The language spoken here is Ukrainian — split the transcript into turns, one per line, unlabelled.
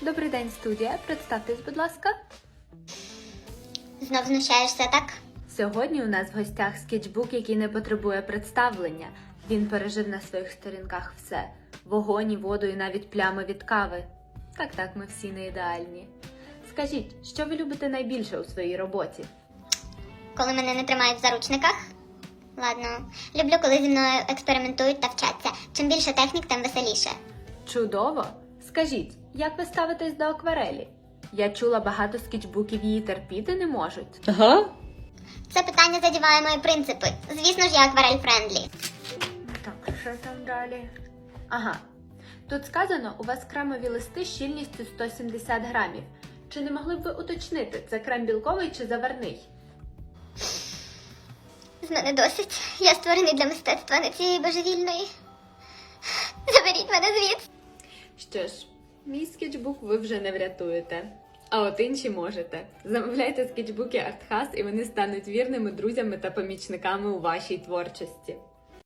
Добрий день, студія. Представтесь, будь ласка.
Знов знущаєшся, так?
Сьогодні у нас в гостях скетчбук, який не потребує представлення. Він пережив на своїх сторінках все. Вогонь, воду і навіть плями від кави. Так, ми всі не ідеальні. Скажіть, що ви любите найбільше у своїй роботі?
Коли мене не тримають в заручниках? Ладно. Люблю, коли зі мною експериментують та вчаться. Чим більше технік, тим веселіше.
Чудово! Скажіть, як ви ставитесь до акварелі? Я чула, багато скетчбуків її терпіти не можуть.
Ага.
Це питання задіває мої принципи. Звісно ж, я акварель-френдлі.
Так, що там далі? Ага. Тут сказано, у вас кремові листи щільністю 170 грамів. Чи не могли б ви уточнити, це крем білковий чи заварний?
З мене досить. Я створений для мистецтва, не цієї божевільної. Заберіть мене звідси.
Що ж, мій скетчбук ви вже не врятуєте. А от інші можете. Замовляйте скетчбуки Артхас, і вони стануть вірними друзями та помічниками у вашій творчості.